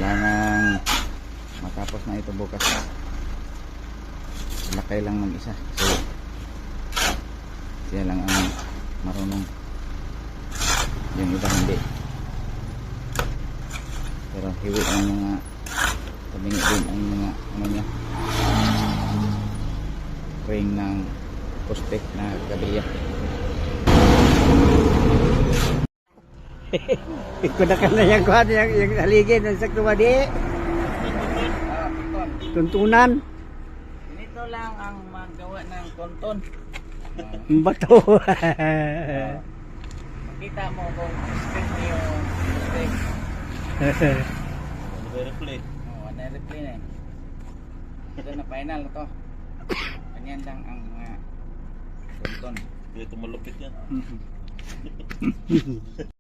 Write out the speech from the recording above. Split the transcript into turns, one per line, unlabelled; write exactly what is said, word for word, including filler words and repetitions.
Kailangan matapos na ito bukas. Lakay lang mag-isa kasi siya lang ang marunong, yung iba hindi. Pero hiwi ang mga tabingi din ang mga ano niya, ring ng poste na gabiya.
Iko na ka na yung kuhan, yung, yung haligin ng sakto ba di? Tuntunan.
Ganito lang ang magawa ng konton.
Bato.
Makita mo kung straight na yung poste.
Nag-replay.
Oo, na-replay na eh. Ito na final na to. Ganyan lang ang mga konton.
Dito malupit yan.